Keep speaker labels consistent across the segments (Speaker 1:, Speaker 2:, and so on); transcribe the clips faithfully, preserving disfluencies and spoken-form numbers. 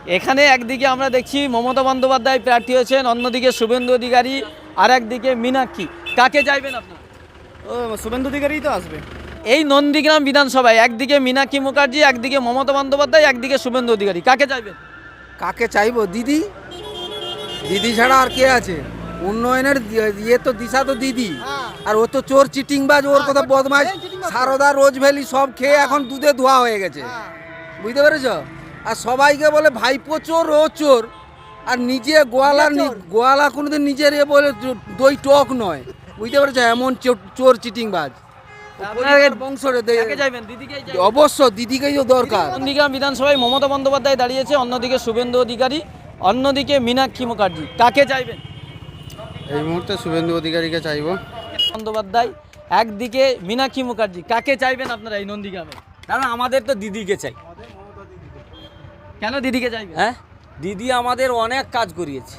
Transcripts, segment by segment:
Speaker 1: এখানে একদিকে আমরা দেখছি মমতা বন্দ্যোপাধ্যায় প্রার্থী হয়েছেন, অন্যদিকে শুভেন্দু অধিকারী, আর একদিকে মীনাক্ষী। কাকে চাইবেন আপনার?
Speaker 2: ও শুভেন্দু অধিকারীই তো আসবে।
Speaker 1: এই নন্দীগ্রাম বিধানসভায় একদিকে মীনাক্ষী মুখার্জি, একদিকে মমতা বন্দ্যোপাধ্যায়, একদিকে শুভেন্দু অধিকারী, কাকে চাইবেন?
Speaker 3: কাকে চাইবো? দিদি দিদি ছাড়া আর কে আছে? উন্নয়নের ইয়ে তো দিশা তো দিদি। আর ও তো চোর চিটিংবাজ, ওর কথা বদমাশ। সারদা রোজ ভ্যালি সব খেয়ে এখন দুধে ধোয়া হয়ে গেছে, বুঝতে পেরেছ? আর সবাইকে বলে ভাইপো চোর, ও চোর। আর নিজে গোয়ালা গোয়ালা কোনোদিন নিজের এ বলে দই টক নয়, বুঝতে পেরেছ? এমন চোর চিটিংবাজ বংশরে। অবশ্য দিদিকেই দরকার।
Speaker 1: নন্দীগ্রাম বিধানসভায় মমতা বন্দ্যোপাধ্যায় দাঁড়িয়েছে, অন্যদিকে শুভেন্দু অধিকারী, অন্যদিকে মীনাক্ষী মুখার্জি, কাকে চাইবেন?
Speaker 3: এই মুহূর্তে শুভেন্দু অধিকারীকে চাইবো।
Speaker 1: বন্দ্যোপাধ্যায় একদিকে মীনাক্ষী মুখার্জি, কাকে চাইবেন আপনারা এই নন্দীগ্রামে?
Speaker 4: দাদা আমাদের তো দিদিকে চাই।
Speaker 1: কেন দিদিকে চাইবেন?
Speaker 4: হ্যাঁ, দিদি আমাদের অনেক কাজ করিয়েছে,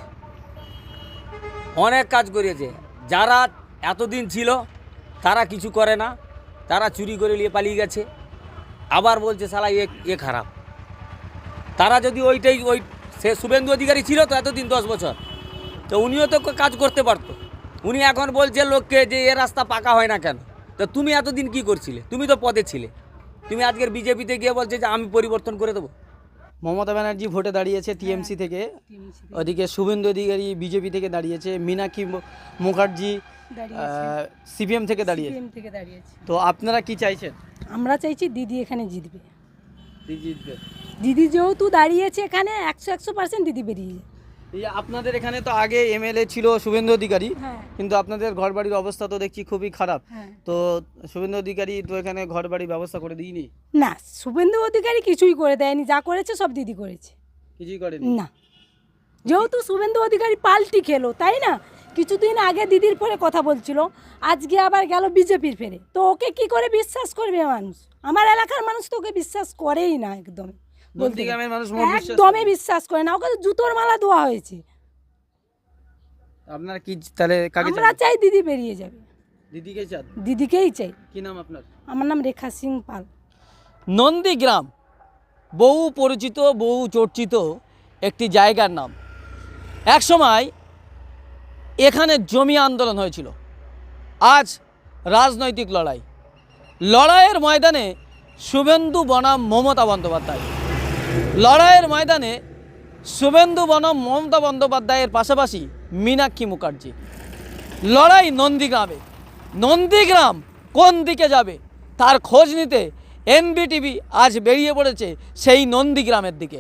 Speaker 4: অনেক কাজ করিয়েছে। যারা এতদিন ছিল তারা কিছু করে না, তারা চুরি করে নিয়ে পালিয়ে গেছে, আবার বলছে শালা এ এ খারাপ। তারা যদি ওইটাই ওই সে শুভেন্দু অধিকারী ছিল তো এতদিন দশ বছর, তো উনিও তো কাজ করতে পারতো। উনি এখন বলছে লোককে যে এ রাস্তা পাকা হয় না কেন? তো তুমি এতদিন কি করছিলে? তুমি তো পদে ছিলে। তুমি আজকের বিজেপিতে গিয়ে বলছে যে আমি পরিবর্তন করে দেবো।
Speaker 1: মমতা ব্যানার্জি ভোটে দাঁড়িয়েছে টিএমসি থেকে, ওদিকে শুভেন্দু অধিকারী বিজেপি থেকে দাঁড়িয়েছে, মীনাক্ষী মুখার্জি সিপিএম থেকে দাঁড়িয়েছে। তো আপনারা কি চাইছেন?
Speaker 5: আমরা চাইছি দিদি এখানে জিতবে।
Speaker 1: দিদি জিতবে।
Speaker 5: দিদি যেহেতু দাঁড়িয়েছে এখানে একশো একশো পার্সেন্ট দিদি বেরিয়ে।
Speaker 1: এই আপনাদের এখানে তো আগে এমএলএ ছিল শুভেন্দু অধিকারী,
Speaker 5: হ্যাঁ।
Speaker 1: কিন্তু আপনাদের ঘরবাড়ির অবস্থা তো দেখছি খুবই খারাপ।
Speaker 5: হ্যাঁ।
Speaker 1: তো শুভেন্দু অধিকারী তো এখানে ঘরবাড়ির ব্যবস্থা করে দিইনি।
Speaker 5: না, শুভেন্দু অধিকারী কিছুই করে দেয়নি, যা করেছে সব দিদি করেছে।
Speaker 1: কিছুই করেনি
Speaker 5: না, যেহেতু শুভেন্দু অধিকারী পাল্টি খেলো, তাই না? কিছুদিন আগে দিদির পরে কথা বলছিল, আজকে আবার গেল বিজেপির ফেরে। তো ওকে কি করে বিশ্বাস করবে মানুষ? আমার এলাকার মানুষ তো ওকে বিশ্বাস করেই না, একদম
Speaker 1: নন্দীগ্রামের মানুষ
Speaker 5: একদমই বিশ্বাস করে না। ওকে জুতোর মালা দেওয়া হয়েছে।
Speaker 1: আপনারা কি তাহলে কাকে
Speaker 5: আমরা চাই দিদি বেরিয়ে যাবে।
Speaker 1: দিদিকে চান?
Speaker 5: দিদিকেই চাই।
Speaker 1: কি নাম আপনার?
Speaker 5: আমার নাম রেখা সিং পাল।
Speaker 1: নন্দীগ্রাম বহু পরিচিত, বহু চর্চিত একটি জায়গার নাম। একসময় এখানে জমি আন্দোলন হয়েছিল, আজ রাজনৈতিক লড়াই। লড়াইয়ের ময়দানে শুভেন্দু বনাম মমতা বন্দ্যোপাধ্যায়। লড়াইয়ের ময়দানে শুভেন্দু বনাম মমতা বন্দ্যোপাধ্যায়ের পাশাপাশি মীনাক্ষী মুখার্জি। লড়াই নন্দীগ্রামে। নন্দীগ্রাম কোন দিকে যাবে তার খোঁজ নিতে এনবিটিভি আজ বেরিয়ে পড়েছে সেই নন্দীগ্রামের দিকে।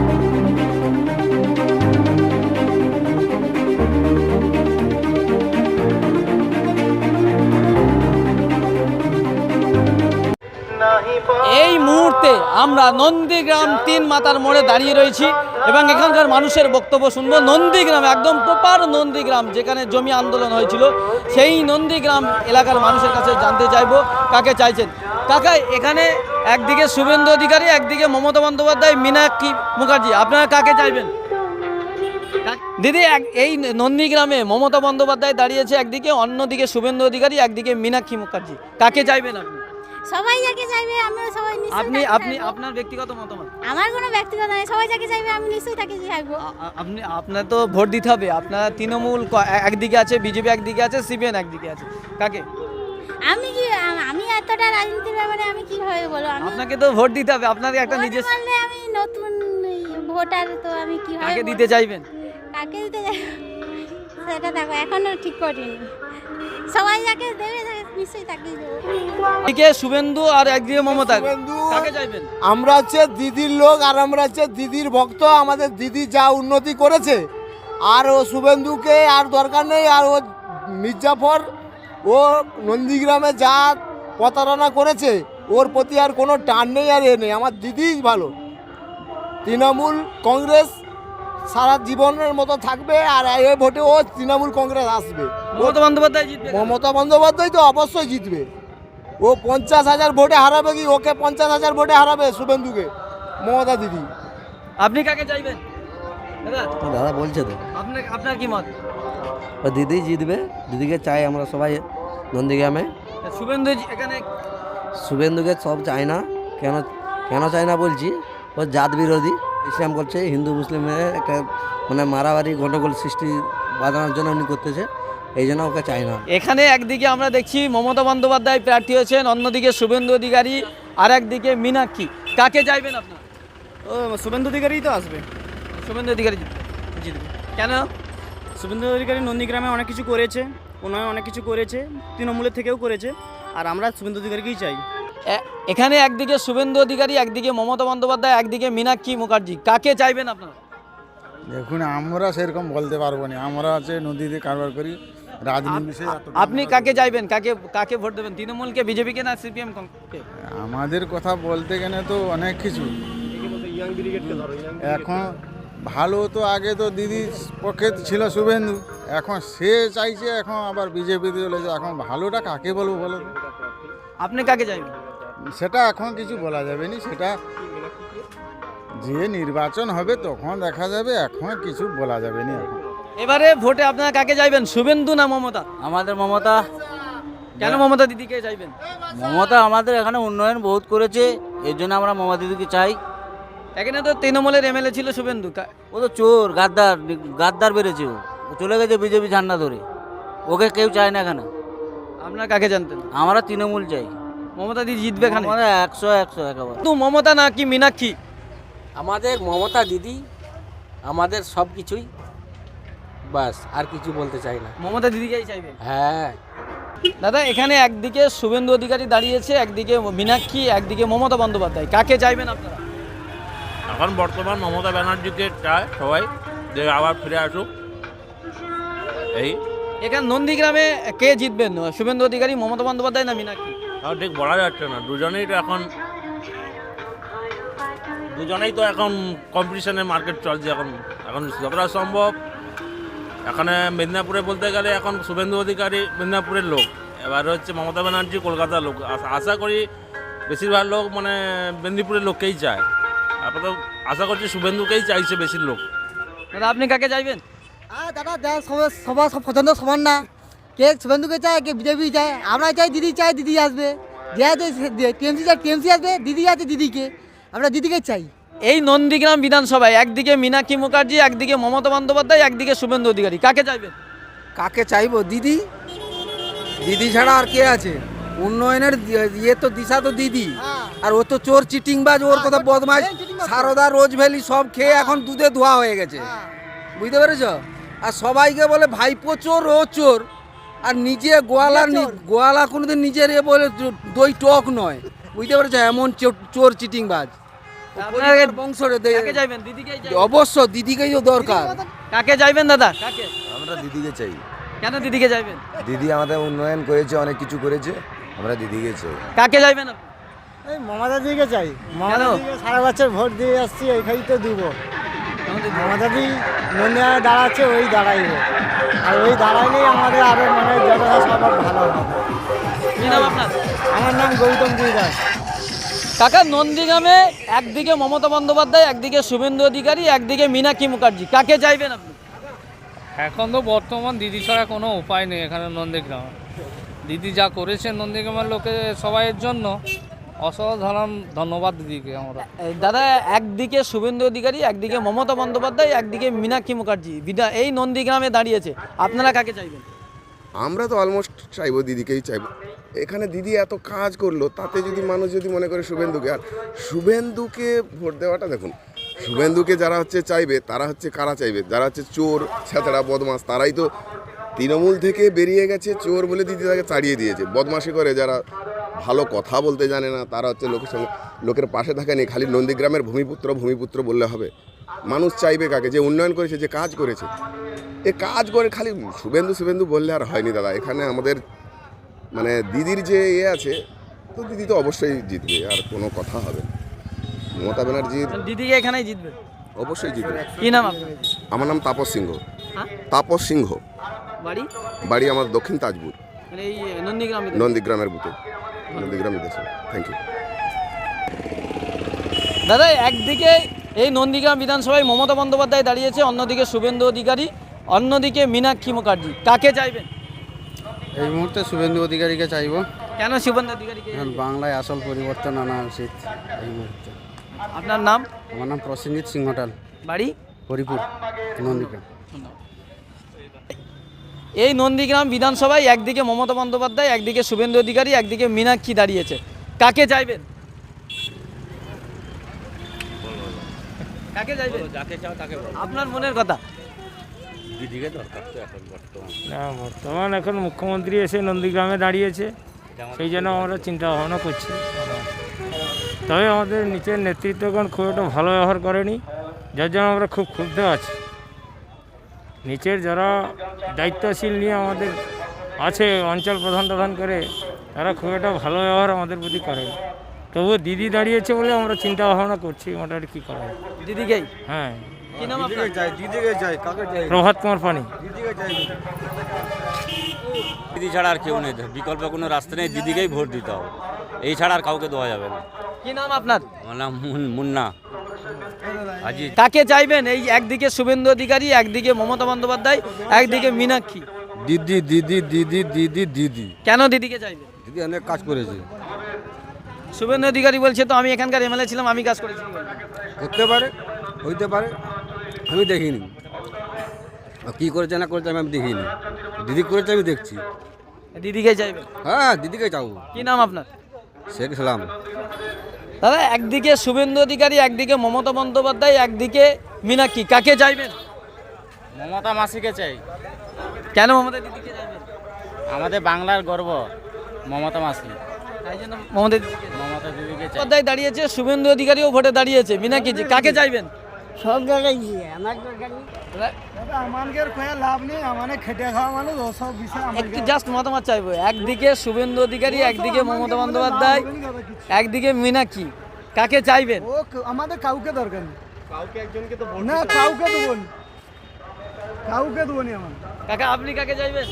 Speaker 1: এই মুহূর্তে আমরা নন্দীগ্রাম তিন মাতার মোড়ে দাঁড়িয়ে রয়েছি এবং এখানকার মানুষের বক্তব্য শুনবো। নন্দীগ্রাম একদম প্রপার নন্দীগ্রাম, যেখানে জমি আন্দোলন হয়েছিল, সেই নন্দীগ্রাম এলাকার মানুষের কাছে জানতে চাইবো কাকে চাইছেন। কাকা, এখানে একদিকে শুভেন্দু অধিকারী, একদিকে মমতা বন্দ্যোপাধ্যায়, মীনাক্ষী মুখার্জি, আপনারা কাকে চাইবেন? দিদি, এই নন্দীগ্রামে মমতা বন্দ্যোপাধ্যায় দাঁড়িয়েছে একদিকে, অন্যদিকে শুভেন্দু অধিকারী, একদিকে মীনাক্ষী মুখার্জি, কাকে চাইবেন আপনি?
Speaker 6: সবাই যাকে চাইবে আমরা সবাই নিশ্চয়ই
Speaker 1: আপনি
Speaker 6: তাকে
Speaker 1: আপনি
Speaker 6: চাইবো।
Speaker 1: আপনার ব্যক্তিগত মতামত?
Speaker 6: আমার কোনো ব্যক্তিগত নয়, সবাই যাকে চাইবে আমি নিশ্চয়ই তাকে চাইবো।
Speaker 1: আপনি আপনার তো ভোট দিতে হবে। আপনার তৃণমূল একদিকে আছে, বিজেপি একদিকে আছে, সিপিএম একদিকে আছে, কাকে?
Speaker 6: আমি কি আমি এতটা রাজনীতির ব্যাপারে আমি কিভাবে বলবো? আমি
Speaker 1: আপনাকে তো ভোট দিতে হবে, আপনার একটা
Speaker 6: ভোট
Speaker 1: নিজের।
Speaker 6: বললে আমি নতুন ভোটার, তো আমি কিভাবে
Speaker 1: কাকে
Speaker 6: বলবো?
Speaker 1: দিতে চাইবেন?
Speaker 6: কাকে দিতে চাই সেটা দেখো এখনো ঠিক করিনি। সবাই যাকে দেবে নিশ্চয়ই তাকেই দেবো।
Speaker 1: এদিকে শুভেন্দু আর একদিকে মমতা, কাকে চাইবেন?
Speaker 3: আমরা হচ্ছে দিদির লোক, আর আমরা হচ্ছে দিদির ভক্ত। আমাদের দিদি যা উন্নতি করেছে, আর ও শুভেন্দুকে আর দরকার নেই। আর ও মির্জাফর, ও নন্দীগ্রামে যা প্রতারণা করেছে, ওর প্রতি আর কোনো টান নেই, আর এ নেই। আমার দিদিই ভালো। তৃণমূল কংগ্রেস সারা জীবনের মতো থাকবে, আর এই ভোটে ও তৃণমূল কংগ্রেস আসবে।
Speaker 1: মমতা বন্দ্যোপাধ্যায় জিতবে?
Speaker 3: মমতা বন্দ্যোপাধ্যায় তো অবশ্যই জিতবে। ও পঞ্চাশ হাজার ভোটে হারাবে, কি ওকে পঞ্চাশ হাজার ভোটে হারাবে শুভেন্দুকে মমতা দিদি।
Speaker 1: আপনি কাকে চাইবেন দাদা?
Speaker 7: দাদা বলছে তো,
Speaker 1: আপনার আপনার কি মত?
Speaker 7: ও দিদি জিতবে, দিদিকে চাই আমরা সবাই নন্দীগ্রামে।
Speaker 1: শুভেন্দু এখানে
Speaker 7: শুভেন্দুকে সব চাই না। কেন কেন চাই না বলছি, ও জাত বিরোধী, ইসলাম করছে হিন্দু মুসলিমের একটা মানে মারামারি গন্ডগোল সৃষ্টি বাঁধানোর জন্য উনি করতেছে, এই জন্য ওকে চাই না।
Speaker 1: এখানে একদিকে আমরা দেখছি মমতা বন্দ্যোপাধ্যায় প্রার্থী হয়েছেন, অন্যদিকে শুভেন্দু অধিকারী, আর একদিকে মীনাক্ষী। কাকে চাইবেন আপনার?
Speaker 2: ও শুভেন্দু অধিকারী তো আসবে।
Speaker 1: শুভেন্দু অধিকারী জিতবে।
Speaker 2: জিতবে।
Speaker 1: কেন?
Speaker 2: শুভেন্দু অধিকারী নন্দীগ্রামে অনেক কিছু করেছে, উন্নয়ন অনেক কিছু করেছে, তৃণমূলের থেকেও করেছে, আর আমরা শুভেন্দু অধিকারীকেই চাই।
Speaker 1: এ- এখানে একদিকে শুভেন্দু অধিকারী, একদিকে মমতা বন্দ্যোপাধ্যায়, একদিকে মীনাক্ষী মুখার্জি। কাকে চাইবেন আপনারা?
Speaker 8: দেখুন আমরা সেরকম বলতে পারবো না, আমরা আছে নদীতে কারবার করি, রাজনীতি বিষয়ে এতটা
Speaker 1: আপনি কাকে চাইবেন? কাকে কাকে ভোট দেবেন? তৃণমূলকে, বিজেপিকে না সিপিএম কে?
Speaker 8: আমাদের কথা বলতে গেলে তো অনেক কিছু। এখন ভালো তো আগে তো দিদির পক্ষে ছিল শুভেন্দু, এখন সে চাইছে, এখন আবার বিজেপিতে চলেছে। এখন ভালোটা কাকে বলবো বলো তো?
Speaker 1: আপনি কাকে চাইবেন?
Speaker 8: সেটা এখন কিছু বলা যাবে না, সেটা যে নির্বাচন হবে তখন দেখা যাবে, এখন কিছু বলা যাবে না। এখন
Speaker 1: এবারে ভোটে আপনারা কাকে চাইবেন, শুভেন্দু না মমতা?
Speaker 4: আমাদের মমতা।
Speaker 1: কেন মমতা দিদিকে চাইবেন?
Speaker 4: মমতা আমাদের এখানে উন্নয়ন বহুত করেছে, এর জন্য আমরা মমতা দিদিকে চাই।
Speaker 1: এখানে তো তৃণমূলের এমএলএ ছিল শুভেন্দু। কা-
Speaker 4: ও তো চোর, গাদ্দার, গাদ্দার বেড়েছে। ও ও চলে গেছে বিজেপি ঝান্ডা ধরে, ওকে কেউ চায় না এখানে।
Speaker 1: আপনারা কাকে জানতেন?
Speaker 4: আমরা তৃণমূল চাই।
Speaker 1: মমতা দিদি জিতবে এখানে।
Speaker 4: আমাদের একশো একশো একেবারে।
Speaker 1: কিন্তু মমতা নাকি মীনাক্ষী?
Speaker 9: আমাদের মমতা দিদি আমাদের সব কিছুই, বাস আর কিছু বলতে চাই না।
Speaker 1: মমতা দিদিকেই চাইবেন?
Speaker 9: হ্যাঁ,
Speaker 1: দাদা এখানে একদিকে শুভেন্দু অধিকারী দাঁড়িয়েছে, একদিকে মীনাক্ষী, একদিকে মমতা বন্দ্যোপাধ্যায়। কাকে চাইবেন আপনারা?
Speaker 10: এখন বর্তমান মমতা ব্যানার্জিকে চায় সবাই, যে আবার ফিরে আসুক। এই
Speaker 1: এখানে নন্দীগ্রামে কে জিতবেন, শুভেন্দু অধিকারী, মমতা বন্দ্যোপাধ্যায় না মীনাক্ষী?
Speaker 10: আর ঠিক বলা যাচ্ছে না, দুজনেই তো এখন দুজনেই তো এখন কম্পিটিশনের মার্কেট চলছে। এখন এখন যতটা সম্ভব এখানে মেদিনীপুরে বলতে গেলে এখন শুভেন্দু অধিকারী মেদিনীপুরের লোক, এবার হচ্ছে মমতা ব্যানার্জি কলকাতার লোক। আশা- আশা করি বেশিরভাগ লোক মানে মেদিনীপুরের লোককেই চায়। আপাতত আশা করছি শুভেন্দুকেই চাইছে বেশি লোক।
Speaker 1: দাদা আপনি কাকে চাইবেন?
Speaker 11: আর দাদা দেখ সবার সবার সব পছন্দ সমান না, কে শুভেন্দুকে চায়, কে বিজেপি চায়। আমরা চাই দিদি চাই, দিদি আসবে। যে টিএমসি চাই টিএমসি আসবে, দিদি আছে দিদিকে, আমরা দিদিকে চাই।
Speaker 1: এই নন্দীগ্রাম বিধানসভায় একদিকে মীনাক্ষী মুখার্জি, একদিকে মমতা বন্দ্যোপাধ্যায়, একদিকে শুভেন্দু অধিকারী। কাকে চাইবেন?
Speaker 3: কাকে চাইবো? দিদি দিদি ছাড়া আর কে আছে? উন্নয়নের দি- ইয়ে তো দিশা তো দিদি, আর ও তো চোর চিটিংবাজ, ওর কথা বদমাশ, সারদা রোজ ভ্যালি সব খেয়ে এখন দুধে ধোয়া হয়ে গেছে, বুঝতে পেরেছ? আর সবাইকে বলে ভাইপো চোর, ও চোর, আর নিজে গোয়ালা নি- গোয়ালা কোনোদিন নিজের এ বলে চ- দই টক নয়, বুঝতে পেরেছ? এমন চোর- চোর চিটিংবাজ
Speaker 1: আপনারা
Speaker 3: বংশরে
Speaker 1: কাকে চাইবেন? দিদিকেই চাইবেন?
Speaker 3: অবশ্য দিদিকেই তো দরকার।
Speaker 1: কাকে চাইবেন দাদা? কাকে?
Speaker 12: আমরা দিদিকে চাই।
Speaker 1: কেন দিদিকে চাইবেন?
Speaker 12: দিদি আমাদের উন্নয়ন করেছে, অনেক কিছু করেছে, আমরা দিদিকে চাই।
Speaker 1: কাকে চাইবেন আপনি?
Speaker 11: এই মমতা দিদিকে চাই। মমতা দিদিকে সারা বছর ভোট দিয়ে আসছি, ওইখানেই তো দিব। মমতা দিদি নন্দিয়া দাঁড়াচ্ছে, ওই দাঁড়াইবে, আর ওই দাঁড়াইলেই আমাদের আরো মানে যতটা সবার ভালো হবে।
Speaker 1: কি নাম আপনার?
Speaker 11: আমার নাম গৌতম দাস।
Speaker 1: কাকা নন্দীগ্রামে একদিকে মমতা বন্দ্যোপাধ্যায়, একদিকে শুভেন্দু অধিকারী, একদিকে মীনাক্ষী মুখার্জি। কাকে চাইবেন আপনি?
Speaker 13: এখন তো বর্তমান দিদি ছাড়া কোনো উপায় নেই এখানে নন্দীগ্রামে। দিদি যা করেছে নন্দীগ্রামের লোকে সবাইয়ের জন্য, অসাধারণ ধন্যবাদ দিদিকে আমরা।
Speaker 1: এই দাদা একদিকে শুভেন্দু অধিকারী, একদিকে মমতা বন্দ্যোপাধ্যায়, একদিকে মীনাক্ষী মুখার্জি বিধা এই নন্দীগ্রামে দাঁড়িয়েছে। আপনারা কাকে চাইবেন?
Speaker 12: আমরা তো অলমোস্ট চাইবো, দিদিকেই চাইবো। এখানে দিদি এত কাজ করলো, তাতে যদি মানুষ যদি মনে করে শুভেন্দুকে, আর শুভেন্দুকে ভোট দেওয়াটা দেখুন, শুভেন্দুকে যারা হচ্ছে চাইবে তারা হচ্ছে কারা চাইবে? যারা হচ্ছে চোর, ছেঁচড়া, বদমাস, তারাই তো তৃণমূল থেকে বেরিয়ে গেছে, চোর বলে দিদি তাকে তাড়িয়ে দিয়েছে। বদমাশি করে যারা ভালো কথা বলতে জানে না, তারা হচ্ছে লোকের সঙ্গে লোকের পাশে থাকেনি, খালি নন্দীগ্রামের ভূমিপুত্র ভূমিপুত্র বললে হবে? মানুষ চাইবে কাকে? যে উন্নয়ন করেছে, যে কাজ করেছে। এ কাজ করে খালি শুভেন্দু শুভেন্দু বললে আর হয়নি দাদা। এখানে আমাদের মানে দিদির যে ইয়ে আছে, তো দিদি তো অবশ্যই জিতবে, আর কোনো কথা হবে না। মমতা ব্যানার্জির
Speaker 1: দিদিকে এখানেই জিতবে?
Speaker 12: অবশ্যই জিতবে।
Speaker 1: কি নাম আপনার?
Speaker 12: আমার নাম তাপস সিংহ।
Speaker 1: হ্যাঁ?
Speaker 12: তাপস সিংহ।
Speaker 1: বাড়ি?
Speaker 12: বাড়ি আমার দক্ষিণ তাজপুর,
Speaker 1: মানে এই নন্দীগ্রামে?
Speaker 12: নন্দীগ্রামের বুকে, নন্দীগ্রাম দেশে। Thank you.
Speaker 1: দাদা একদিকে এই নন্দীগ্রাম বিধানসভায় মমতা বন্দ্যোপাধ্যায় দাঁড়িয়েছে, অন্যদিকে শুভেন্দু অধিকারী, অন্যদিকে মীনাক্ষী মুখার্জি। কাকে চাইবেন?
Speaker 3: এই মুহূর্তে শুভেন্দু অধিকারীকে চাইবো।
Speaker 1: কেন শুভেন্দু অধিকারীকে?
Speaker 3: বাংলায় আসল পরিবর্তন আনা উচিত এই মুহূর্তে।
Speaker 1: আপনার নাম?
Speaker 7: আমার নাম প্রসেনজিৎ সিংহটাল,
Speaker 1: বাড়ি?
Speaker 7: হরিপুর, নন্দীগ্রাম।
Speaker 1: এই নন্দীগ্রাম বিধানসভায় একদিকে মমতা বন্দ্যোপাধ্যায়, একদিকে শুভেন্দু অধিকারী, একদিকে মীনাক্ষী দাঁড়িয়েছে। কাকে চাইবেন? কাকে চাইবেন?
Speaker 4: যাকে চাও তাকে বলো।
Speaker 1: আপনার মনের কথা।
Speaker 4: দিদিকে দরকার তো এখন বর্তমান।
Speaker 13: না, বর্তমান এখন মুখ্যমন্ত্রী এসে নন্দীগ্রামে দাঁড়িয়েছে, সেই জন্য আমরা চিন্তা ভাবনা করছি। তবে আমাদের নিচের নেতৃত্বগণ খুব একটা ভালো ব্যবহার করেনি, যার জন্য আমরা খুব ক্ষুব্ধ আছি। নিচের যারা দায়িত্বশীল নিয়ে আমাদের আছে, অঞ্চল প্রধান প্রধান করে, তারা খুব একটা ভালো ব্যবহার আমাদের প্রতি করেনি। তবুও দিদি দাঁড়িয়েছে বলে আমরা চিন্তা ভাবনা করছি মোটামুটি কী করা যায়।
Speaker 1: দিদিকেই?
Speaker 13: হ্যাঁ।
Speaker 1: কি নাম আপনার?
Speaker 13: প্রভাত কুমার পানি।
Speaker 4: দিদি ছাড়া আর কেউ নেই, বিকল্প কোনো রাস্তা নেই, দিদিকেই ভোট দিতে হবে, এই ছাড়া আর কাউকে দেওয়া যাবে না।
Speaker 1: কি নাম আপনার?
Speaker 4: আমার নাম মুন- মুন্না আজি।
Speaker 1: কাকে চাইবেন? এই একদিকে শুভেন্দু অধিকারী, একদিকে মমতা বন্দ্যোপাধ্যায়, একদিকে মীনাক্ষী।
Speaker 3: দিদি দিদি দিদি দিদি দিদি
Speaker 1: কেন দিদিকে চাইবেন?
Speaker 3: দিদি অনেক কাজ করেছে।
Speaker 1: শুভেন্দু অধিকারী বলছে তো আমি এখানকার এমএলএ ছিলাম, আমি কাজ করেছি।
Speaker 3: করতে পারে, হইতে পারে, আমি দেখিনি। কি করেছে না করেছে আমি দেখিনি, দিদি করেছে আমি দেখছি।
Speaker 1: দিদিকে চাইবেন?
Speaker 3: হ্যাঁ, দিদিকে চাও।
Speaker 1: কি নাম আপনার?
Speaker 3: শেখ সালাম।
Speaker 1: দাদা, একদিকে শুভেন্দু অধিকারী, একদিকে মমতা বন্দ্যোপাধ্যায়, একদিকে মীনাক্ষী, কাকে চাইবেন?
Speaker 2: মমতা মাসিকে চাই।
Speaker 1: কেন মমতা দিদিকে চাইবেন?
Speaker 2: আমাদের বাংলার গর্ব মমতা মাসি,
Speaker 1: তাই জন্য মমতা দিদিকে।
Speaker 2: মমতা দিদিকে চাই।
Speaker 1: বন্দ্যোপাধ্যায় দাঁড়িয়েছে, শুভেন্দু অধিকারীও ভোটে দাঁড়িয়েছে, মীনাক্ষী জি, কাকে চাইবেন?
Speaker 11: সব জায়গায় গিয়ে আমার আমাদের কোনো লাভ নেই, আমাদের খেটে খাওয়া মানুষ ওসব বিষয়
Speaker 1: একটু জাস্ট মতামত চাইবো। একদিকে শুভেন্দু অধিকারী, একদিকে মমতা বন্দ্যোপাধ্যায়, একদিকে মীনাক্ষী, কাকে চাইবেন?
Speaker 11: ও আমাদের কাউকে দরকার নেই, কাউকে একজনকে তো না, কাউকে দেবো না, কাউকে দেবো না আমার।
Speaker 1: কাকা, আপনি কাকে চাইবেন?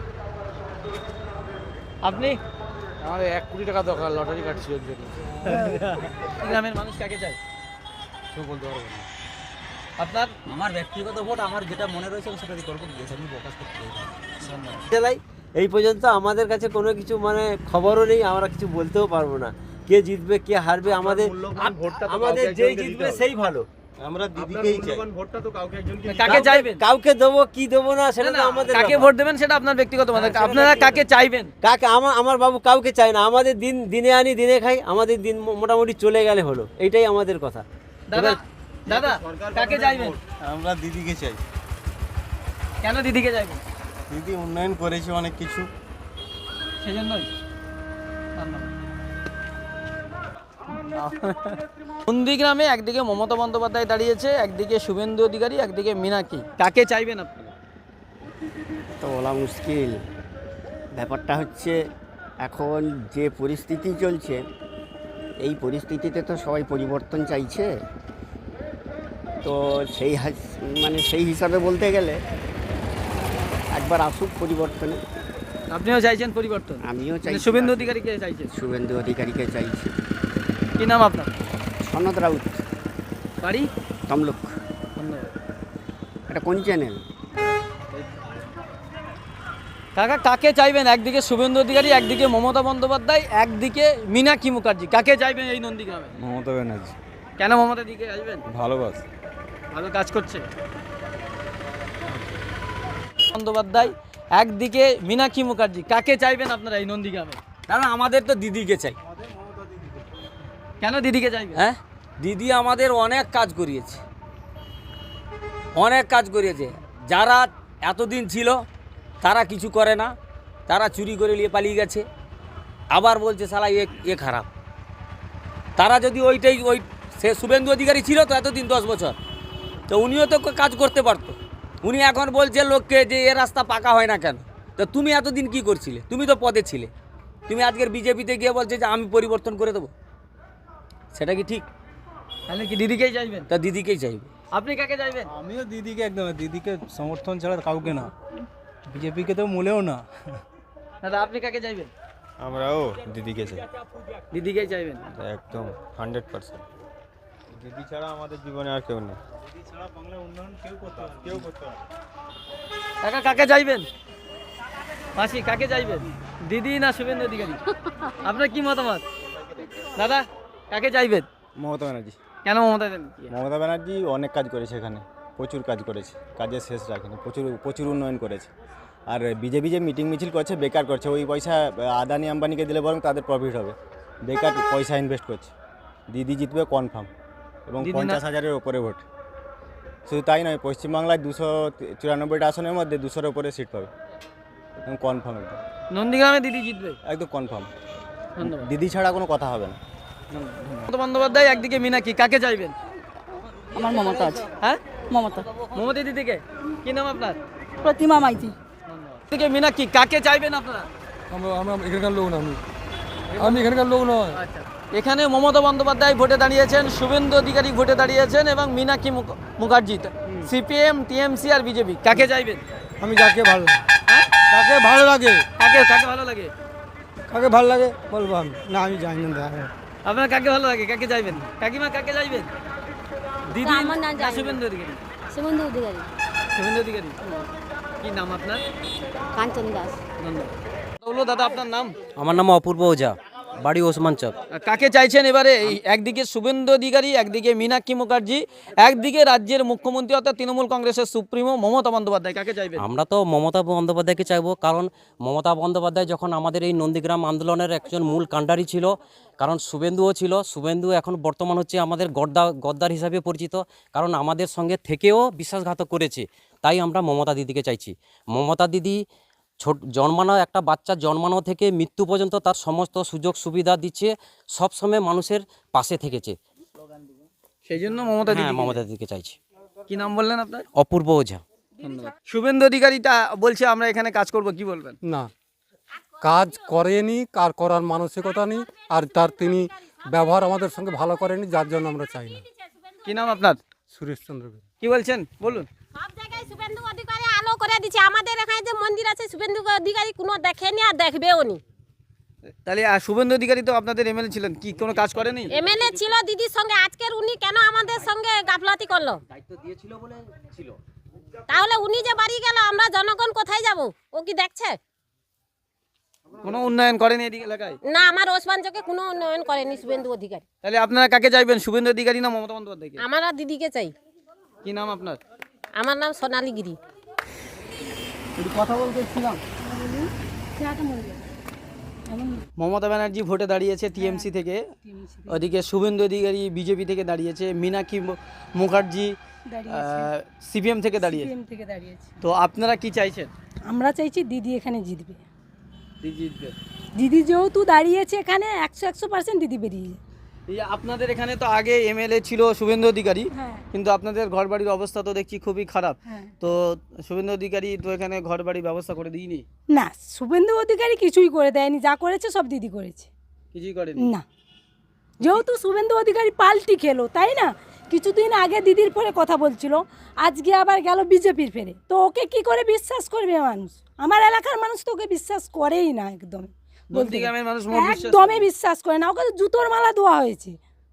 Speaker 1: আপনি?
Speaker 9: আমাদের এক কোটি টাকা দরকার, লটারি কাটছি ওর জন্য।
Speaker 1: গ্রামের মানুষ কাকে চায়?
Speaker 9: বলতে পারবো না।
Speaker 1: আপনার?
Speaker 2: আমার ব্যক্তিগত ভোট আমার যেটা মনে রয়েছে সেটা করবো, আমি প্রকাশ করতে
Speaker 9: জেলায় এই পর্যন্ত আমাদের কাছে কোনো কিছু মানে খবরও নেই, আমরা কিছু বলতেও পারবো না কে জিতবে কে হারবে। আমাদের আমাদের যেই জিতবে সেই ভালো, আমরা দিদিকেই চাই।
Speaker 1: কাকে চাইবেন?
Speaker 9: কাউকে দেবো কি দেবো না সেটা তো আমাদের
Speaker 1: কাকে ভোট দেবেন সেটা আপনার ব্যক্তিগত মত। আপনারা কাকে চাইবেন?
Speaker 9: কাকে আমার আমার বাবু কাউকে চাই না, আমাদের দিন দিনে আনি দিনে খাই, আমাদের দিন মোটামুটি চলে গেলে হলো, এইটাই আমাদের কথা।
Speaker 1: দাদা, দাদা, কাকে চাইবেন?
Speaker 2: আমরা দিদিকে চাই।
Speaker 1: কেন দিদিকে চাইবেন?
Speaker 2: দিদি উন্নয়ন করেছে অনেক কিছু,
Speaker 1: সেজন্যই। নন্দীগ্রামে একদিকে মমতা বন্দ্যোপাধ্যায় দাঁড়িয়েছে, একদিকে শুভেন্দু অধিকারী, একদিকে মীনাক্ষী, কাকে চাইবেন আপনি?
Speaker 14: তো বলা মুশকিল। ব্যাপারটা হচ্ছে এখন যে পরিস্থিতি চলছে, এই পরিস্থিতিতে তো সবাই পরিবর্তন চাইছে। তো সেই মানে সেই হিসাবে বলতে গেলে একবার আসুক পরিবর্তনে।
Speaker 1: আপনিও চাইছেন পরিবর্তন?
Speaker 14: আমিও চাই।
Speaker 1: শুভেন্দু অধিকারীকে চাইছেন?
Speaker 14: শুভেন্দু অধিকারীকে চাইছি।
Speaker 1: কি নাম আপনার?
Speaker 14: সনদ রাউত।
Speaker 1: বাড়ি?
Speaker 14: তমলুক। এটা কোন চ্যানেল?
Speaker 1: কাকা, কাকে চাইবেন? একদিকে শুভেন্দু অধিকারী, একদিকে মমতা বন্দ্যোপাধ্যায়, একদিকে মীনাক্ষী মুখার্জি, কাকে চাইবেন এই নন্দীগ্রামে?
Speaker 3: মমতা ব্যানার্জি।
Speaker 1: কেন মমতা দিকে আসবেন?
Speaker 3: ভালোবাসে,
Speaker 1: ভালো কাজ করছে। বন্দ্যোপাধ্যায়, একদিকে মীনাক্ষী মুখার্জি, কাকে চাইবেন আপনারা এই নন্দীগ্রামে?
Speaker 4: কারণ আমাদের তো দিদিকে চাই।
Speaker 1: কেন দিদিকে চাইবেন?
Speaker 4: হ্যাঁ, দিদি আমাদের অনেক কাজ করিয়েছে, অনেক কাজ করিয়েছে। যারা এতদিন ছিল তারা কিছু করে না, তারা চুরি করে নিয়ে পালিয়ে গেছে, আবার বলছে শালা এ এ খারাপ। তারা যদি ওইটাই ওই সে শুভেন্দু অধিকারী ছিল তো এতদিন দশ বছর, তো উনিও তো কাজ করতে পারতো। উনি এখন বলছে লোককে যে এ রাস্তা পাকা হয় না কেন। তো তুমি এতদিন কি করছিলে? তুমি তো পদে ছিলে, তুমি আজকের বিজেপিতে গিয়ে বলছে যে আমি পরিবর্তন করে দেবো, সেটা কি ঠিক?
Speaker 1: তাহলে কি দিদিকেই চাইবেন?
Speaker 4: তা দিদিকেই চাইবে।
Speaker 1: আপনি কাকে চাইবেন?
Speaker 11: আমিও দিদিকে, একদম দিদিকে সমর্থন ছাড়া কাউকে না, বিজেপিকে তো মূলেও না।
Speaker 1: দাদা, আপনি কাকে চাইবেন?
Speaker 8: আমরাও দিদিকে চাই,
Speaker 1: দিদিকেই চাইবেন?
Speaker 8: একদম হান্ড্রেড পার্সেন্ট। দিদি ছাড়া আমাদের জীবনে আর কেউ নেই। দিদি ছাড়া বাংলার উন্নয়ন কেউ করতে পারে কেউ করতে পারে
Speaker 1: কাকা, কাকে চাইবেন? মাসি, কাকে চাইবেন? দিদি না শুভেন্দু অধিকারী? আপনার কি মতামত? দাদা, কাকে চাইবেন?
Speaker 8: মমতা ব্যানার্জি।
Speaker 1: কেন মমতা ব্যানার্জি?
Speaker 2: মমতা ব্যানার্জি অনেক কাজ করেছে এখানে, প্রচুর কাজ করেছে, কাজের শেষ রাখেনি, প্রচুর প্রচুর উন্নয়ন করেছে। আর বিজেপি যে মিটিং মিছিল করছে বেকার করছে, ওই পয়সা আদানি আম্বানিকে দিলে বরং তাদের প্রফিট হবে, বেকার পয়সা ইনভেস্ট করছে। দিদি জিতবে কনফার্ম এবং
Speaker 1: দিদি না-
Speaker 2: পঞ্চাশ হাজারের ওপরে ভোট। শুধু তাই নয়, পশ্চিমবাংলায় দুশো চুরানব্বইটা আসনের মধ্যে দুশোর ওপরে সিট পাবে, কনফার্ম একদম,
Speaker 1: নন্দীগ্রামে দিদি জিতবে।
Speaker 2: একদম কনফার্ম।
Speaker 1: ধন্যবাদ।
Speaker 2: দিদি ছাড়া কোনো কথা হবে না।
Speaker 1: মমতা বন্দ্যোপাধ্যায় একদিকে মীনাক্ষী, কাকে চাইবেন?
Speaker 5: আমার মমতা আছে।
Speaker 1: হ্যাঁ,
Speaker 5: মমতা।
Speaker 1: মমতা দিদিকে। কি নাম আপনার?
Speaker 5: প্রতিমা মাইতি।
Speaker 1: দিকে মীনাক্ষী, কাকে চাইবেন আপনারা?
Speaker 3: আমরা এখানকার লোক না, আমি আমি এখানকার লোক নয়।
Speaker 1: আচ্ছা, এখানে মমতা বন্দ্যোপাধ্যায় ভোটে দাঁড়িয়েছেন, শুভেন্দু অধিকারী ভোটে দাঁড়িয়েছেন এবং মীনাক্ষী মুখ- মুখার্জি। সিপিএম, টিএমসি আর বিজেপি, কাকে চাইবেন?
Speaker 3: আমি যাকে ভালো কাকে ভালো লাগে
Speaker 1: কাকে কাকে ভালো লাগে?
Speaker 3: কাকে ভালো লাগে বলবো আমি, না আমি জানি না।
Speaker 1: আপনার কাকে ভালো লাগে, কাকে চাইবেন? কাকিমা কাকে চাইবেন? দিদি
Speaker 6: আমার নাম
Speaker 1: না
Speaker 6: জানি না।
Speaker 1: শুভেন্দু অধিকারী?
Speaker 6: শুভেন্দু অধিকারী,
Speaker 1: শুভেন্দু অধিকারী। কি নাম আপনার?
Speaker 6: কাঞ্চন দাস।
Speaker 1: ধন্যবাদ। বলো দাদা, আপনার নাম?
Speaker 9: আমার নাম অপূর্ব ওঝা, বাড়ি ওসমান চক।
Speaker 1: কাকে চাইছেন এবারে? এই একদিকে শুভেন্দু অধিকারী, একদিকে মীনাক্ষী মুখার্জি, একদিকে রাজ্যের মুখ্যমন্ত্রী অর্থাৎ তৃণমূল কংগ্রেসের সুপ্রিমো মমতা বন্দ্যোপাধ্যায়, কাকে চাইবেন?
Speaker 9: আমরা তো মমতা বন্দ্যোপাধ্যায়কে চাইবো, কারণ মমতা বন্দ্যোপাধ্যায় যখন আমাদের এই নন্দীগ্রাম আন্দোলনের একজন মূল কাণ্ডারি ছিল, কারণ শুভেন্দুও ছিল, শুভেন্দু এখন বর্তমান হচ্ছে আমাদের গদ্দার গদ্দার হিসাবে পরিচিত, কারণ আমাদের সঙ্গে থেকেও বিশ্বাসঘাতক করেছে। তাই আমরা মমতা দিদিকে চাইছি। মমতা দিদি ছোট জন্মানো একটা বাচ্চা জন্মানো থেকে মৃত্যু পর্যন্ত তার সমস্ত সুযোগ সুবিধা দিচ্ছে, সবসময় মানুষের পাশে থেকেছে।
Speaker 1: সেই জন্য মমতা
Speaker 9: হ্যাঁ,
Speaker 1: দিদি।
Speaker 9: মমতা দিদিকে চাইছি।
Speaker 1: কি নাম বললেন আপনার?
Speaker 9: অপূর্ব ওঝা।
Speaker 1: ধন্যবাদ। শুভেন্দু অধিকারীটা বলছে আমরা এখানে কাজ করব, কি বলবেন?
Speaker 3: না, কাজ করেনি, কার করার মানসিকতা নেই, আর তার তিনি ব্যবহার আমাদের সঙ্গে ভালো করেনি, যার জন্য আমরা চাই না।
Speaker 1: কি নাম আপনার?
Speaker 3: সুরেশ চন্দ্র
Speaker 1: কি বলছেন বলুন।
Speaker 6: সব জায়গায় শুভেন্দু অধিকারী আলো করে দিচ্ছে, আমাদের এখানে যে মন্দির আছে শুভেন্দু অধিকারী কোনো দেখেনি আর দেখবেও নি।
Speaker 1: তাহলে আর শুভেন্দু অধিকারী তো আপনাদের এমএলএ ছিলেন, কি কোনো কাজ করেনি?
Speaker 6: এমএলএ ছিল দিদির সঙ্গে, আজকের উনি কেন আমাদের সঙ্গে গাফলাতি করলো?
Speaker 9: দায়িত্ব দিয়েছিল বলে ছিল।
Speaker 6: তাহলে উনি যে বাড়ি গেল, আমরা জনগণ কোথায় যাব? ও কি দেখছে?
Speaker 1: কোনো উন্নয়ন করেনি এই এলাকায়?
Speaker 6: না, আমার ওসমান চকে কোনো উন্নয়ন করেনি শুভেন্দু অধিকারী।
Speaker 1: তাহলে আপনারা কাকে চাইবেন, শুভেন্দু অধিকারী না মমতা বন্দ্যোপাধ্যায়কে?
Speaker 6: আমরা দিদিকে চাই।
Speaker 1: কি নাম আপনার?
Speaker 6: আমার নাম সোনালী গিরি।
Speaker 1: কথা বলতেছিলাম। মমতা ব্যানার্জি ভোটে দাঁড়িয়েছে টিএমসি থেকে, ওদিকে শুভেন্দু অধিকারী বিজেপি থেকে দাঁড়িয়েছে, মীনাক্ষী মু- মুখার্জি সিপিএম থেকে দাঁড়িয়েছে।
Speaker 5: সিপিএম থেকে দাঁড়িয়েছে।
Speaker 1: তো আপনারা কি চাইছেন?
Speaker 5: আমরা চাইছি দিদি এখানে জিতবে।
Speaker 1: দিদি জিতবে।
Speaker 5: দিদি যেহেতু দাঁড়িয়েছে এখানে, একশো একশো পার্সেন্ট দিদি বেরিয়ে যায়।
Speaker 1: এই যে আপনাদের এখানে তো আগে এমএলএ ছিল শুভেন্দু অধিকারী,
Speaker 5: হ্যাঁ।
Speaker 1: কিন্তু আপনাদের ঘরবাড়ির অবস্থা তো দেখছি খুবই খারাপ।
Speaker 5: হ্যাঁ।
Speaker 1: তো শুভেন্দু অধিকারী তো এখানে ঘরবাড়ির ব্যবস্থা করে দিইনি,
Speaker 5: না, শুভেন্দু অধিকারী কিছুই করে দেয়নি, যা করেছে সব দিদি করেছে।
Speaker 1: কিছুই করেনি।
Speaker 5: না, যেহেতু শুভেন্দু অধিকারী পাল্টি খেলো, তাই না? কিছুদিন আগে দিদির পরে কথা বলছিল, আজকে আবার গেল বিজেপির ফেরে, তো ওকে কি করে বিশ্বাস করবে মানুষ? আমার এলাকার মানুষ তো ওকে বিশ্বাস করেই না, একদম
Speaker 1: নন্দীগ্রামের মানুষ মোট বিশ্বাস
Speaker 5: একদমই বিশ্বাস করে না, ওকে জুতোর মালা দেওয়া হয়েছে।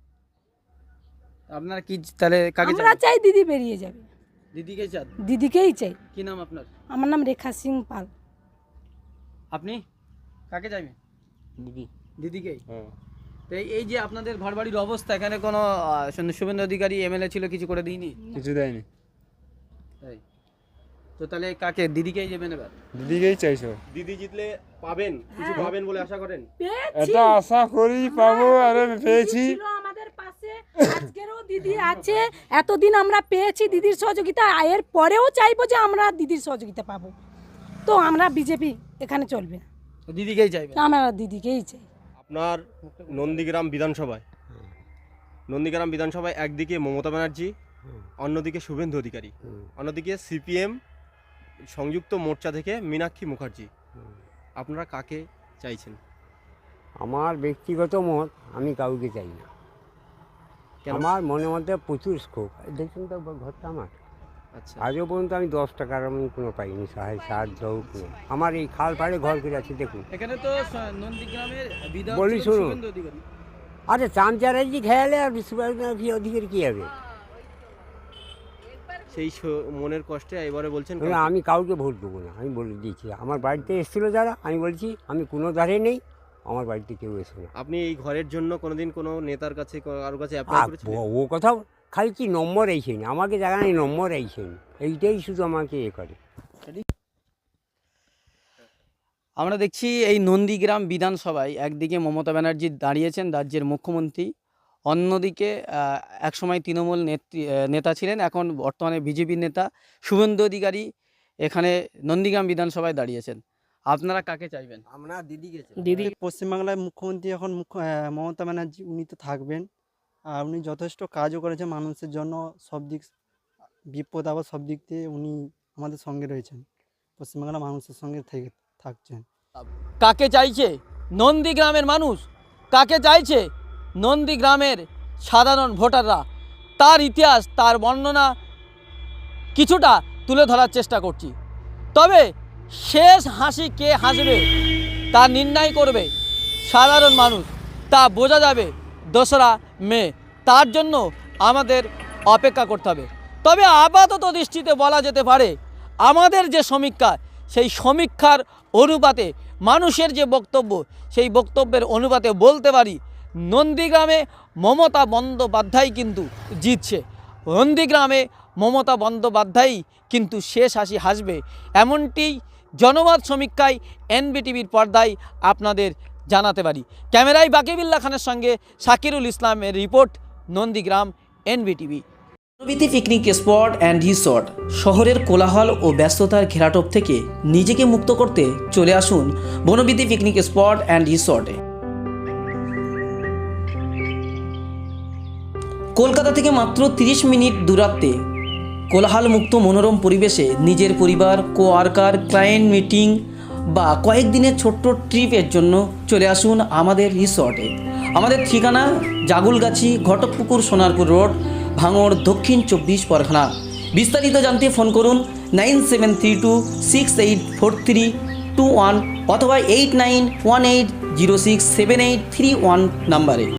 Speaker 1: আপনারা কি তাহলে কাকে
Speaker 5: আমরা
Speaker 1: চান?
Speaker 5: চাই দিদি বেরিয়ে যাবে,
Speaker 1: দিদিকে চান?
Speaker 5: দিদিকেই চাই।
Speaker 1: কি নাম আপনার?
Speaker 5: আমার নাম রেখা সিং পাল।
Speaker 1: আপনি কাকে চাইবেন?
Speaker 9: দিদি।
Speaker 1: দিদিকেই।
Speaker 9: হ্যাঁ।
Speaker 1: তো এই- এই যে আপনাদের ঘরবাড়ির অবস্থা, এখানে কোনো আহ, শুভেন্দু অধিকারী এমএলএ ছিল, কিছু করে দিইনি?
Speaker 3: কিছু দেয়নি,
Speaker 1: তাই তো তাহলে কাকে, দিদিকেই যাবেন এবার?
Speaker 3: দিদিকেই চাইছো।
Speaker 2: দিদি জিতলে পাবেন, কিছু পাবেন বলে আশা করেন?
Speaker 5: পেয়েছি।
Speaker 3: আশা করি পাবো, আর পেয়েছি।
Speaker 5: ছিল আমাদের পাশে, আজকেরও দিদি আছে, এতদিন আমরা পেয়েছি দিদির সহযোগিতা, এর পরেও চাইবো যে আমরা দিদির সহযোগিতা পাবো। তো আমরা বিজেপি এখানে চলবে না,
Speaker 1: তো দিদিকেই চাইবেন?
Speaker 5: আমরা দিদিকেই চাই।
Speaker 2: আপনার নন্দীগ্রাম বিধানসভায় নন্দীগ্রাম বিধানসভায় একদিকে মমতা ব্যানার্জি, অন্যদিকে শুভেন্দু অধিকারী, অন্যদিকে সিপিএম সংযুক্ত মোর্চা থেকে মীনাক্ষী মুখার্জি, আপনারা কাকে চাইছেন?
Speaker 11: আমার ব্যক্তিগত মত, আমি কাউকে চাই না। আমার মনের মধ্যে প্রচুর স্কোপ। দেখুন তো ঘরটা আমার,
Speaker 1: আচ্ছা,
Speaker 11: আজও পর্যন্ত আমি দশ টাকার আমি কোনো পাইনি, সাহায্য সাহায্য কোনো। আমার এই খাল পাড়ে ঘর করে আছে, দেখুন।
Speaker 1: এখানে তো স- নন্দীগ্রামের বিধায়ক
Speaker 11: বলি
Speaker 1: ছিলেন
Speaker 11: শুনুন।
Speaker 1: শুভেন্দু অধিকারী।
Speaker 11: আরে চামচারাজি খেয়ালে আর বিশ্বভারতী অধিকারী কী হবে?
Speaker 2: সেই স- মনের কষ্টে এবারে বলছেন
Speaker 11: না, আমি কাউকে ভোট দেবো না, আমি বলে দিয়েছি। আমার বাড়িতে এসেছিলো যারা, আমি বলছি আমি কোনো ধারে নেই,
Speaker 15: আমার বাড়িতে কেউ এসে না।
Speaker 9: আপনি এই ঘরের জন্য কোনোদিন কোনো নেতার কাছে কারোর কাছে অ্যাপ্লাই
Speaker 15: আর
Speaker 9: করেছিলেন?
Speaker 15: ও- ও কথা খালি কি নম্বর এইছেন, আমাকে জায়গায় নম্বর এইছেন, এইটাই শুধু আমাকে এ করে।
Speaker 1: আমরা দেখছি এই নন্দীগ্রাম বিধানসভায় একদিকে মমতা ব্যানার্জি দাঁড়িয়েছেন, রাজ্যের মুখ্যমন্ত্রী, অন্যদিকে আহ, একসময় তৃণমূল নেত্রী আহ, নেতা ছিলেন, এখন বর্তমানে বিজেপির নেতা শুভেন্দু অধিকারী এখানে নন্দীগ্রাম বিধানসভায় দাঁড়িয়েছেন। আপনারা কাকে চাইবেন?
Speaker 7: আমরা দিদিকে
Speaker 11: দিদি পশ্চিমবাংলায় মুখ্যমন্ত্রী এখন মুখ্য আহ, মমতা ব্যানার্জি, উনি তো থাকবেন। আর উনি যথেষ্ট কাজও করেছেন মানুষের জন্য, সব দিক বিপদ আবার সব দিক দিয়ে উনি আমাদের সঙ্গে রয়েছেন, পশ্চিমবাংলার মানুষের সঙ্গে থেকে থাকছেন।
Speaker 1: কাকে চাইছে নন্দীগ্রামের মানুষ? কাকে চাইছে নন্দীগ্রামের সাধারণ ভোটাররা? তার ইতিহাস, তার বর্ণনা কিছুটা তুলে ধরার চেষ্টা করছি। তবে শেষ হাসি কে হাসবে তা নির্ণয় করবে সাধারণ মানুষ, তা বোঝা যাবে দোসরা মে। তার জন্য আমাদের অপেক্ষা করতে হবে। তবে আপাতত দৃষ্টিতে বলা যেতে পারে আমাদের যে সমীক্ষা, সেই সমীক্ষার অনুপাতে মানুষের যে বক্তব্য, সেই বক্তব্যের অনুপাতে বলতে পারি নন্দীগ্রামে মমতা বন্দ্যোপাধ্যায় কিন্তু জিতছে। নন্দীগ্রামে মমতা বন্দ্যোপাধ্যায় কিন্তু শেষ হাসি হাসবে, এমনটি জনমত সমীক্ষায় এনবিটিভির পর্দায় আপনাদের জানাতে পারি। ক্যামেরায় বাকিবুল্লাহ খানের সঙ্গে শাকিরুল ইসলামের report, Nandigram, NBTV.
Speaker 16: Banabithi picnic spot and resort. শহরের কোলাহল ও ব্যস্ততার ঘেরাটোপ থেকে নিজেকে মুক্ত করতে চলে আসুন বনবিথী পিকনিক স্পট অ্যান্ড রিসর্টে। কলকাতা থেকে মাত্র তিরিশ মিনিট দূরত্বে কোলাহল মুক্ত মনোরম পরিবেশে নিজের পরিবার, কোয়ার্কার, ক্লায়েন্ট মিটিং বা কয়েকদিনের ছোট্ট ট্রিপের জন্য চলে আসুন আমাদের রিসর্টে। আমাদের ঠিকানা জাগুলগাছি, ঘটকপুকুর, সোনারপুর রোড, ভাঙড়, দক্ষিণ চব্বিশ পরগনা। বিস্তারিত জানতে ফোন করুন nine seven three two six eight four three two one অথবা eight nine one eight zero six seven eight three one নাম্বারে।